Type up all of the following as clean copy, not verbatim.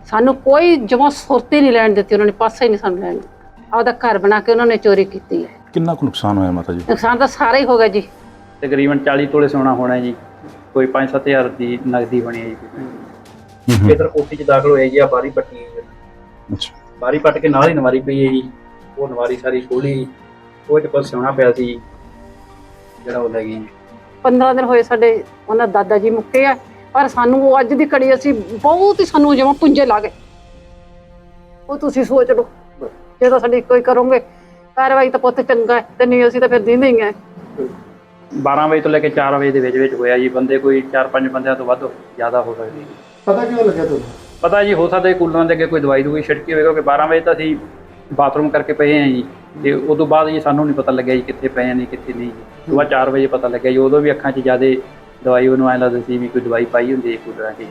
ਸਾਨੂੰ ਕੋਈ ਜਮਾਂ ਸੁਰਤ ਹੀ ਨਹੀਂ ਲੈਣ ਦਿੱਤੀ, ਉਹਨਾਂ ਨੇ ਪਾਸਾ ਹੀ ਨਹੀਂ ਸਾਨੂੰ ਲੈਣ ਦਿੱਤਾ। ਆਪਦਾ ਘਰ ਬਣਾ ਕੇ ਉਹਨਾਂ ਨੇ ਚੋਰੀ ਕੀਤੀ ਹੈ। ਕਿੰਨਾ ਕੁ ਨੁਕਸਾਨ ਹੋਇਆ ਮਾਤਾ ਜੀ? ਨੁਕਸਾਨ ਤਾਂ ਸਾਰਾ ਹੀ ਹੋ ਗਿਆ ਜੀ। ਤਕਰੀਬਨ 40 ਤੋਲੇ ਸੋਨਾ ਹੋਣਾ ਜੀ, ਕੋਈ 5-7 ਹਜ਼ਾਰ ਦੀ ਨਗਦੀ ਬਣੀ ਹੈ ਜੀ। ਇਧਰ ਕੋਠੀ 'ਚ ਦਾਖਲ ਹੋਏ ਜੀ, ਆ ਬਾਰੀ ਪੱਟੀ ਹੈ। ਅੱਛਾ, ਬਾਰੀ ਪੱਟ ਕੇ ਨਾਲ ਹੀ ਨਵਾਰੀ ਪਈ ਹੈ ਜੀ, ਉਹ ਨਵਾਰੀ ਸਾਰੀ ਖੋਲੀ, ਉਹ 'ਚ ਕੁਛ ਸੋਨਾ ਪਿਆ ਸੀ ਜਿਹੜਾ ਉਹ ਲੈ ਗਈ। 15 ਦਿਨ ਹੋਏ ਸਾਡੇ ਉਹਨਾਂ ਦਾਦਾ ਜੀ ਮੁੱਕੇ ਆ, ਪਰ ਸਾਨੂੰ ਉਹ ਅੱਜ ਦੀ ਘੜੀ ਅਸੀਂ ਬਹੁਤ ਹੀ ਸਾਨੂੰ ਜਮਾਂ ਪੁੰਜੇ ਲਾ ਗਏ। ਉਹ ਤੁਸੀਂ ਸੋਚ ਲਓ, ਜੇ ਤਾਂ ਸਾਡੀ ਕੋਈ ਕਰੋਗੇ ਕਾਰਵਾਈ ਤਾਂ ਪੁੱਤ ਚੰਗਾ ਹੈ, ਤੇ ਨਹੀਂ ਅਸੀਂ ਤਾਂ ਫਿਰ ਦਿੰਦੇ ਹੀ ਆ। 12 ਵਜੇ ਤੋਂ ਲੈ ਕੇ 4 ਵਜੇ ਦੇ ਵਿੱਚ ਹੋਇਆ ਜੀ। ਬੰਦੇ ਕੋਈ 4-5 ਬੰਦਿਆਂ ਤੋਂ ਵੱਧ ਜ਼ਿਆਦਾ ਹੋ ਸਕਦੇ। ਪਤਾ ਕਿਉਂ ਲੱਗਿਆ ਤੁਹਾਨੂੰ? ਪਤਾ ਜੀ, ਹੋ ਸਕਦਾ ਕੂਲਰਾਂ ਦੇ ਅੱਗੇ ਕੋਈ ਦਵਾਈ ਦੂਈ ਛਿੜਕੀ ਹੋਵੇ, ਕਿਉਂਕਿ 12 ਵਜੇ ਤਾਂ ਅਸੀਂ ਬਾਥਰੂਮ ਕਰਕੇ ਪਏ ਹਾਂ ਜੀ, ਤੇ ਉਦੋਂ ਬਾਅਦ ਜੀ ਸਾਨੂੰ ਨਹੀਂ ਪਤਾ ਲੱਗਿਆ ਜੀ ਕਿੱਥੇ ਪਏ ਨੇ ਕਿੱਥੇ ਨਹੀਂ ਜੀ। ਸੁਬਾਹ 4 ਵਜੇ ਪਤਾ ਲੱਗਿਆ ਜੀ, ਉਦੋਂ ਵੀ ਅੱਖਾਂ 'ਚ ਜ਼ਿਆਦਾ ਦਵਾਈ ਉਹਨੂੰ ਐਂ ਲੱਗਦਾ ਸੀ ਵੀ ਕੋਈ ਦਵਾਈ ਪਾਈ ਹੁੰਦੀ ਹੈ ਕੂਲਰਾਂ 'ਚ।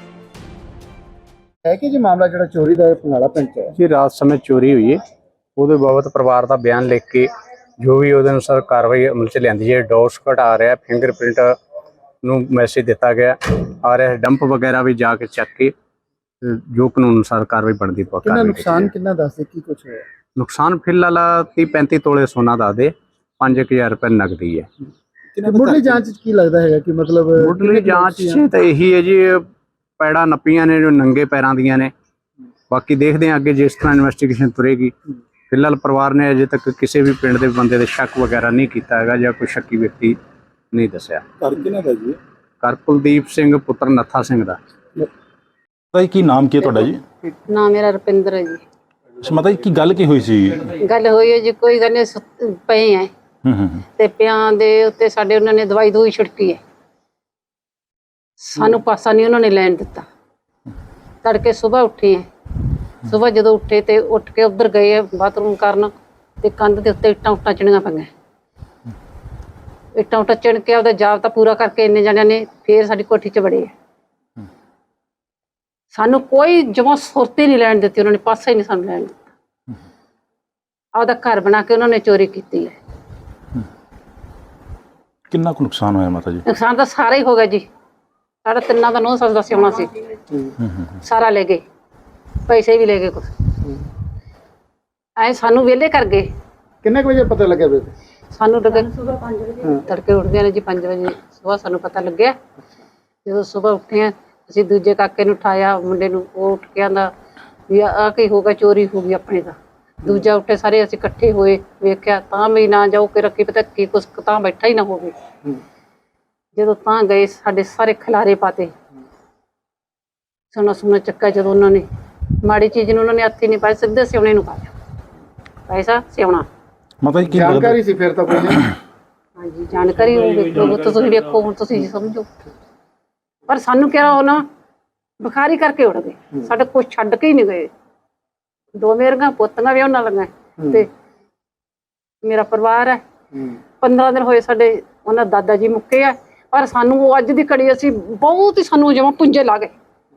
ਹੈ ਕਿ ਜੀ ਮਾਮਲਾ ਜਿਹੜਾ ਚੋਰੀ ਦਾ ਪੰਗਾਲਾ ਪਿੰਡ 'ਚ ਹੈ? जी रात समय चोरी हुई है, ਉਹਦੇ ਬਾਬਤ ਪਰਿਵਾਰ ਦਾ ਬਿਆਨ ਲਿਖ ਕੇ ਜੋ ਵੀ ਉਹਦੇ ਅਨੁਸਾਰ ਕਾਰਵਾਈ ਅਮਲ 'ਚ ਲਿਆਂਦੀ ਹੈ। ਡੋਸ ਘਟਾ ਰਿਹਾ, ਫਿੰਗਰਪ੍ਰਿੰਟ ਨੂੰ ਮੈਸੇਜ ਦਿੱਤਾ ਗਿਆ ਆ ਰਿਹਾ, ਡੰਪ ਵਗੈਰਾ ਵੀ ਜਾ ਕੇ ਚੱਕ ਕੇ ਜੋ ਕਾਨੂੰਨ ਅਨੁਸਾਰ ਕਾਰਵਾਈ ਬਣਦੀ ਪੱਕਾ। ਕਿੰਨਾ ਨੁਕਸਾਨ ਕਿੰਨਾ ਦੱਸਦੇ ਕੀ ਕੁਝ ਹੋਇਆ? ਨੁਕਸਾਨ ਫਿਲਹਾਲ 30-35 ਤੋਲੇ ਸੋਨਾ ਦਾ ਦੇ 5000 ਰੁਪਏ ਨਗਦੀ ਹੈ। ਮੁੱਢਲੀ ਜਾਂਚ 'ਚ ਕੀ ਲੱਗਦਾ ਹੈਗਾ ਕਿ ਮਤਲਬ ਮੁੱਢਲੀ ਜਾਂਚ 'ਚ ਤਾਂ ਇਹੀ ਹੈ ਜੀ, ਪੈੜਾਂ ਨੱਪੀਆਂ ਨੇ ਜੋ ਨੰਗੇ ਪੈਰਾਂ ਦੀਆਂ ਨੇ। ਬਾਕੀ ਦੇਖਦੇ ਹਾਂ ਅੱਗੇ ਜਿਸ ਤਰ੍ਹਾਂ ਇਨਵੈਸਟੀਗੇਸ਼ਨ ਤੁਰੇਗੀ। ਫਿਲਹਾਲ ਪਰਿਵਾਰ ਨੇ ਅਜੇ ਤੱਕ ਕਿਸੇ ਵੀ ਪਿੰਡ ਦੇ ਬੰਦੇ ਦੇ ਸ਼ੱਕ ਵਗੈਰਾ ਨਹੀਂ ਕੀਤਾ ਹੈਗਾ ਜਾਂ ਕੋਈ ਸ਼ੱਕੀ ਵਿਅਕਤੀ ਨਹੀਂ ਦੱਸਿਆ। ਘਰ ਕਿਹਨਾਂ ਦਾ ਜੀ? ਘਰ ਕੁਲਦੀਪ ਸਿੰਘ ਪੁੱਤਰ ਨੱਥਾ ਸਿੰਘ ਦਾ। ਮਾਤਾ ਜੀ ਕੀ ਨਾਮ ਕੀ ਹੈ ਤੁਹਾਡਾ ਜੀ? ਨਾ ਮੇਰਾ ਰੁਪਿੰਦਰ ਹੈ ਜੀ। ਅੱਛਾ ਮਾਤਾ ਜੀ, ਕੀ ਗੱਲ ਕੀ ਹੋਈ ਸੀ? ਗੱਲ ਹੋਈ ਹੈ ਜੀ, ਕੋਈ ਗੱਲ ਨਹੀਂ, ਪਏ ਆ ਤੇ ਪਿਆਂ ਦੇ ਉੱਤੇ ਸਾਡੇ ਉਹਨਾਂ ਨੇ ਦਵਾਈ ਦੂਈ ਛਿੜਕੀ ਹੈ। ਸਾਨੂੰ ਪਾਸਾ ਨਹੀਂ ਉਹਨਾਂ ਨੇ ਲੈਣ ਦਿੱਤਾ। ਤੜਕੇ ਸਵੇਰ ਉੱਠੇ ਆ, ਸਵੇਰ ਜਦੋਂ ਉੱਠੇ ਤੇ ਉੱਠ ਕੇ ਉੱਧਰ ਗਏ ਬਾਥਰੂਮ ਕਰਨ, ਤੇ ਕੰਧ ਦੇ ਉੱਤੇ ਇੱਟਾਂ ਚਿਣੀਆਂ ਪਈਆਂ। ਇੱਟਾਂ ਚਿਣ ਕੇ ਉਹਦਾ ਜਾਬਤਾ ਪੂਰਾ ਕਰਕੇ ਇੰਨੇ ਜਣਿਆਂ ਨੇ ਫੇਰ ਸਾਡੀ ਕੋਠੀ 'ਚ ਵੜੇ ਆ। ਸਾਨੂੰ ਕੋਈ ਜਮਾਂ ਸੁਰਤ ਹੀ ਨਹੀਂ ਲੈਣ ਦਿੱਤੀ, ਉਹਨਾਂ ਨੇ ਪਾਸਾ ਹੀ ਨਹੀਂ ਸਾਨੂੰ ਲੈਣ ਦਿੱਤਾ। ਆਪਦਾ ਘਰ ਬਣਾ ਕੇ ਉਹਨਾਂ ਨੇ ਚੋਰੀ ਕੀਤੀ ਹੈ। ਕਿੰਨਾ ਕੁ ਨੁਕਸਾਨ ਹੋਇਆ ਮਾਤਾ ਜੀ? ਨੁਕਸਾਨ ਤਾਂ ਸਾਰਾ ਹੀ ਹੋ ਗਿਆ ਜੀ। ਸਾਡਾ ਤਿੰਨਾਂ ਦਾ 9 ਸਾਲ ਦਾ ਸਿਉਣਾ ਸੀ, ਸਾਰਾ ਲੈ ਗਏ, ਪੈਸੇ ਵੀ ਲੈ ਗਏ ਕੁਛ। ਐ ਸਾਨੂੰ ਵਿਹਲੇ ਕਰ ਗਏ। ਕਿੰਨੇ ਕੁ ਵਜੇ ਪਤਾ ਲੱਗਿਆ ਬੇਬੇ? ਸਾਨੂੰ ਲੱਗੇ ਤੜਕੇ ਉੱਠਦੇ ਨੇ ਜੀ 5 ਵਜੇ ਸਵੇਰ ਸਾਨੂੰ ਪਤਾ ਲੱਗਿਆ। ਜਦੋਂ ਸਵੇਰ ਉੱਠੇ ਆ ਅਸੀਂ ਦੂਜੇ ਕਾਕੇ ਨੂੰ ਉਠਾਇਆ, ਮੁੰਡੇ ਨੂੰ, ਉਹ ਉੱਠ ਕੇ ਆਂਦਾ ਵੀ ਆ ਕੀ ਹੋ ਗਿਆ, ਚੋਰੀ ਹੋ ਗਈ ਆਪਣੇ ਦਾ। ਦੂਜਾ ਉੱਠੇ, ਸਾਰੇ ਅਸੀਂ ਇਕੱਠੇ ਹੋਏ, ਵੇਖਿਆ ਤਾਂ ਵੀ ਨਾ ਜਾਓ ਕਿ ਰੱਖੀ ਪਤਾ ਕੀ ਕੁਛ ਤਾਂ ਬੈਠਾ ਹੀ ਨਾ ਹੋਵੇ। ਜਦੋਂ ਤਾਂ ਗਏ ਸਾਡੇ ਸਾਰੇ ਖਿਲਾਰੇ ਪਾਤੇ, ਸੋਨਾ ਚੱਕਾ। ਜਦੋਂ ਉਹਨਾਂ ਨੇ ਮਾੜੀ ਚੀਜ਼ ਨੂੰ ਉਹਨਾਂ ਨੇ ਹੱਥ ਹੀ ਨਹੀਂ ਪਾਇਆ, ਸਿੱਧੇ ਸਿਉਣੇ ਨੂੰ ਪਾਇਆ ਪੈਸਾ ਸਿਉਣਾ। ਮਾਤਾ ਜੀ ਕੀ ਜਾਣਕਾਰੀ ਸੀ ਫਿਰ ਤਾਂ ਕੋਈ ਨਹੀਂ? ਹਾਂਜੀ ਜਾਣਕਾਰੀ ਵੇਖੋ, ਤੁਸੀਂ ਵੇਖੋ, ਹੁਣ ਤੁਸੀਂ ਸਮਝੋ। ਪਰ ਸਾਨੂੰ ਕਿਹਾ ਉਹ ਨਾ ਬੁਖਾਰੀ ਕਰਕੇ ਉੱਡ ਗਏ, ਸਾਡੇ ਕੁਛ ਛੱਡ ਕੇ ਹੀ ਨਹੀਂ ਗਏ। 2 ਮੇਰੀਆਂ ਪੋਤੀਆਂ ਵੀ ਉਹਨਾਂ ਲੰਗਾ ਤੇ ਮੇਰਾ ਪਰਿਵਾਰ ਹੈ। 15 ਦਿਨ ਹੋਏ ਸਾਡੇ ਉਹਨਾਂ ਦਾਦਾ ਜੀ ਮੁੱਕੇ ਆ, ਪਰ ਸਾਨੂੰ ਉਹ ਅੱਜ ਦੀ ਘੜੀ ਅਸੀਂ ਬਹੁਤ ਹੀ ਸਾਨੂੰ ਜਮਾਂ ਪੁੰਜੇ ਲਾ ਗਏ।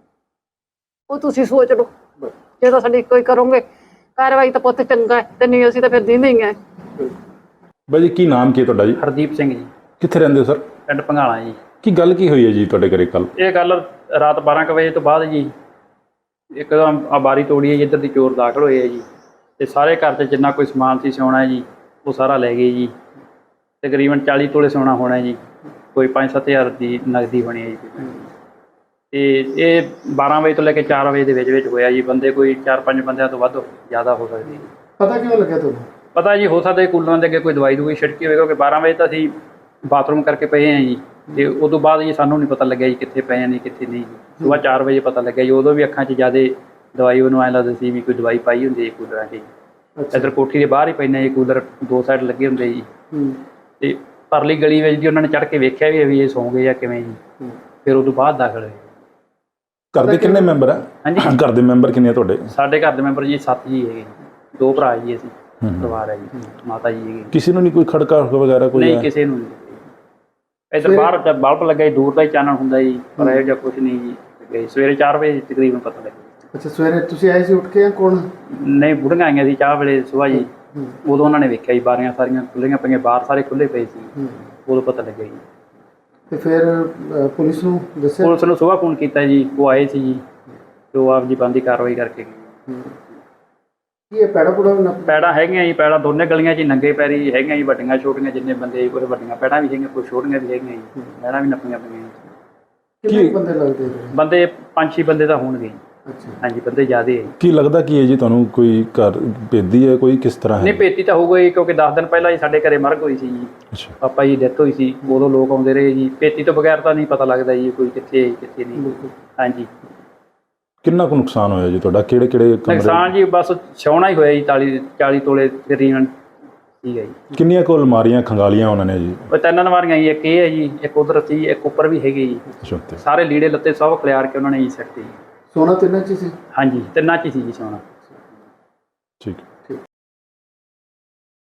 ਉਹ ਤੁਸੀਂ ਸੋਚ ਲਓ, ਜੇ ਤਾਂ ਸਾਡੀ ਕੋਈ ਕਰੋਗੇ ਕਾਰਵਾਈ ਤਾਂ ਪੁੱਤ ਚੰਗਾ ਹੈ, ਤੇ ਨਹੀਂ ਅਸੀਂ ਤਾਂ ਫਿਰ ਦਿੰਦੇ ਹੀ ਆ। ਬਾਈ ਜੀ ਕੀ ਨਾਮ ਕੀ ਹੈ ਤੁਹਾਡਾ ਜੀ? ਹਰਦੀਪ ਸਿੰਘ ਜੀ, ਕਿੱਥੇ ਰਹਿੰਦੇ ਹੋ ਸਰ? ਪਿੰਡ ਭੰਗਾਲਾ ਜੀ। ਕੀ ਗੱਲ ਕੀ ਹੋਈ ਹੈ ਜੀ ਤੁਹਾਡੇ ਘਰੇ ਕੱਲ? ਇਹ ਗੱਲ ਰਾਤ 12 ਕੁ ਵਜੇ ਤੋਂ ਬਾਅਦ ਜੀ ਇੱਕਦਮ ਆ ਬਾਰੀ ਤੋੜੀ ਹੈ ਜੀ, ਇੱਧਰ ਦੀ ਚੋਰ ਦਾਖਲ ਹੋਏ ਹੈ ਜੀ, ਤੇ ਸਾਰੇ ਘਰ 'ਚ ਜਿੰਨਾ ਕੋਈ ਸਮਾਨ ਸੀ ਸੋਨਾ ਜੀ ਉਹ ਸਾਰਾ ਲੈ ਗਏ ਜੀ। ਤਕਰੀਬਨ 40 ਤੋਲੇ ਸੋਨਾ ਹੋਣਾ ਜੀ, ਕੋਈ 5-7 ਹਜ਼ਾਰ ਦੀ ਨਗਦੀ ਬਣੀ ਹੈ ਜੀ। ਤੇ ਇਹ 12 ਵਜੇ ਤੋਂ ਲੈ ਕੇ 4 ਵਜੇ ਦੇ ਵਿੱਚ ਹੋਇਆ ਜੀ। ਬੰਦੇ ਕੋਈ 4-5 ਬੰਦਿਆਂ ਤੋਂ ਵੱਧ ਜ਼ਿਆਦਾ ਹੋ ਸਕਦੇ। ਪਤਾ ਕਿਉਂ ਲੱਗਿਆ ਤੁਹਾਨੂੰ? ਪਤਾ ਜੀ, ਹੋ ਸਕਦਾ ਕੂਲਰਾਂ ਦੇ ਅੱਗੇ ਕੋਈ ਦਵਾਈ ਦੂਈ ਛਿੜਕੀ ਹੋਵੇ, ਕਿਉਂਕਿ 12 ਵਜੇ ਤਾਂ ਅਸੀਂ ਬਾਥਰੂਮ ਕਰਕੇ ਪਏ ਹਾਂ ਜੀ, ਤੇ ਉਦੋਂ ਬਾਅਦ ਜੀ ਸਾਨੂੰ ਨਹੀਂ ਪਤਾ ਲੱਗਿਆ ਜੀ ਕਿੱਥੇ ਪਏ ਨੇ ਕਿੱਥੇ ਨਹੀਂ ਜੀ। ਸੁਬਾਹ 4 ਵਜੇ ਪਤਾ ਲੱਗਿਆ ਜੀ, ਉਦੋਂ ਵੀ ਅੱਖਾਂ 'ਚ ਜ਼ਿਆਦਾ ਦਵਾਈ ਉਹਨੂੰ ਐਂ ਲੱਗਦਾ ਸੀ ਵੀ ਕੋਈ ਦਵਾਈ ਪਾਈ ਹੁੰਦੀ ਹੈ ਕੂਲਰਾਂ 'ਚ ਜੀ। ਇੱਧਰ ਕੋਠੀ ਦੇ ਬਾਹਰ ਹੀ ਪੈਂਦੇ ਜੀ ਕੂਲਰ, 2 ਸਾਈਡ ਲੱਗੇ ਹੁੰਦੇ ਜੀ। ਤੇ ਪਰਲੀ ਗਲੀ ਵਿੱਚ ਜੀ ਉਹਨਾਂ ਨੇ ਚੜ੍ਹ ਕੇ ਵੇਖਿਆ ਵੀ ਇਹ ਸੌਂ ਗਏ ਜਾਂ ਕਿਵੇਂ ਜੀ। ਫਿਰ ਉਦੋਂ ਬਾਅਦ ਦਾਖਲ ਹੋਏ। ਘਰ ਦੇ ਕਿੰਨੇ ਮੈਂਬਰ ਆ? ਹਾਂਜੀ, ਘਰ ਦੇ ਮੈਂਬਰ ਕਿੰਨੇ ਆ ਤੁਹਾਡੇ? ਸਾਡੇ ਘਰ ਦੇ ਮੈਂਬਰ ਜੀ 7 ਜੀ ਹੈਗੇ, 2 ਭਰਾ ਜੀ ਅਸੀਂ, ਪਰਿਵਾਰ ਹੈ ਜੀ, ਮਾਤਾ ਜੀ ਹੈਗੇ। ਕਿਸੇ ਨੂੰ ਨਹੀਂ ਕੋਈ ਖੜਕਾ ਵਗੈਰਾ ਕੋਈ? ਨਹੀਂ, ਕਿਸੇ ਨੂੰ ਨਹੀਂ। ਇੱਧਰ ਬਾਹਰ ਬਲਬ ਲੱਗਾ ਜੀ, ਦੂਰ ਦਾ ਹੀ ਚਾਨਣ ਹੁੰਦਾ ਜੀ, ਪਰ ਇਹੋ ਜਿਹਾ ਕੁਛ ਨਹੀਂ ਜੀ। ਗਏ ਸਵੇਰੇ 4 ਵਜੇ ਤਕਰੀਬਨ ਪਤਾ ਲੱਗਿਆ। ਅੱਛਾ, ਸਵੇਰੇ ਤੁਸੀਂ ਆਏ ਸੀ ਉੱਠ ਕੇ? ਕੌਣ? ਨਹੀਂ, ਬੁੜੀਆਂ ਆਈਆਂ ਸੀ ਚਾਹ ਵੇਲੇ ਸੁਬਾਹ ਜੀ, ਉਦੋਂ ਉਹਨਾਂ ਨੇ ਵੇਖਿਆ ਜੀ ਬਾਰੀਆਂ ਸਾਰੀਆਂ ਖੁੱਲ੍ਹੀਆਂ ਪਈਆਂ, ਬਾਹਰ ਸਾਰੇ ਖੁੱਲ੍ਹੇ ਪਏ ਸੀ, ਉਦੋਂ ਪਤਾ ਲੱਗਿਆ ਜੀ। ਤੇ ਫਿਰ ਪੁਲਿਸ ਨੂੰ ਦੱਸਿਆ? ਪੁਲਿਸ ਨੂੰ ਸੁਬਾਹ ਫੋਨ ਕੀਤਾ ਜੀ, ਉਹ ਆਏ ਸੀ ਜੀ, ਜੋ ਆਪ ਜੀ ਬੰਦੀ ਕਾਰਵਾਈ ਕਰਕੇ ਗਏ। ਕੀ ਇਹ ਪੈੜਾ ਪੁੜਾ ਨੱਪ ਪੈੜਾਂ ਹੈਗੀਆਂ ਜੀ, ਪੈੜਾਂ ਦੋਨੇ ਗਲੀਆਂ 'ਚ ਹੀ ਨੰਗੇ ਪੈਰੀ ਹੈਗੀਆਂ ਜੀ, ਵੱਡੀਆਂ ਛੋਟੀਆਂ ਜਿੰਨੇ ਬੰਦੇ ਕੋਈ ਵੱਡੀਆਂ ਪੈੜਾਂ ਵੀ ਹੈਗੀਆਂ, ਕੋਈ ਛੋਟੀਆਂ ਵੀ ਹੈਗੀਆਂ ਜੀ, ਪੈੜਾਂ ਵੀ ਨੱਪੀਆਂ ਪਈਆਂ ਜੀ। ਕਿੰਨੇ ਕੁ ਬੰਦੇ ਲੱਗਦੇ ਨੇ? ਬੰਦੇ 5-6 ਬੰਦੇ ਤਾਂ ਹੋਣਗੇ ਜੀ। ਅੱਛਾ। ਹਾਂਜੀ ਬੰਦੇ ਜ਼ਿਆਦੇ ਹੈ। ਕੀ ਲੱਗਦਾ ਕੀ ਹੈ ਜੀ ਤੁਹਾਨੂੰ, ਕੋਈ ਘਰ ਭੇਦੀ ਹੈ, ਕੋਈ ਕਿਸ ਤਰ੍ਹਾਂ ਨਹੀਂ ਹੈ? ਭੇਤੀ ਤਾਂ ਹੋਊਗਾ ਜੀ, ਕਿਉਂਕਿ 10 ਦਿਨ ਪਹਿਲਾਂ ਜੀ ਸਾਡੇ ਘਰੇ ਮਰਗ ਹੋਈ ਸੀ ਜੀ, ਅੱਛਾ। ਪਾਪਾ ਜੀ ਡੈਥ ਹੋਈ ਸੀ, ਉਦੋਂ ਲੋਕ ਆਉਂਦੇ ਰਹੇ ਜੀ। ਭੇਤੀ ਤੋਂ ਬਗੈਰ ਤਾਂ ਨਹੀਂ ਪਤਾ ਲੱਗਦਾ ਜੀ ਕੋਈ ਕਿੱਥੇ ਹੈ, ਕਿੱਥੇ ਨਹੀਂ। ਬਿਲਕੁਲ। ਹਾਂਜੀ ਕਿੰਨਾ ਕੁ ਨੁਕਸਾਨ ਹੋਇਆ ਜੀ ਤੁਹਾਡਾ? ਕਿਹੜੇ ਕਿਹੜੇ ਕਮਰੇ? ਨੁਕਸਾਨ ਜੀ ਬਸ ਛਾਉਣਾ ਹੀ ਹੋਇਆ ਜੀ, 40 ਤੋਲੇ ਤਕਰੀਬਨ ਠੀਕ ਹੈ ਜੀ। ਕਿੰਨੀਆਂ ਕੁ ਅਲਮਾਰੀਆਂ ਖੰਗਾਲੀਆਂ ਉਹਨਾਂ ਨੇ ਜੀ? ਉਹ 3 ਅਲਮਾਰੀਆਂ ਜੀ, ਇੱਕ ਇਹ ਹੈ ਜੀ, ਇੱਕ ਉਧਰ ਸੀ, ਇੱਕ ਉੱਪਰ ਵੀ ਹੈਗੀ ਜੀ। ਅੱਛਾ ਉੱਤੇ। ਸਾਰੇ ਲੀੜੇ ਲੱਤੇ ਸਭ ਖਿਲਾਰ ਕੇ ਉਹਨਾਂ ਨੇ ਜੀ ਸੱਟੇ ਜੀ। ਸੋਨਾ ਤਿੰਨਾਂ ਚ ਹੀ ਸੀ? ਹਾਂਜੀ ਤਿੰਨਾਂ 'ਚ ਹੀ ਸੀ ਜੀ ਸੋਨਾ। ਠੀਕ ਹੈ।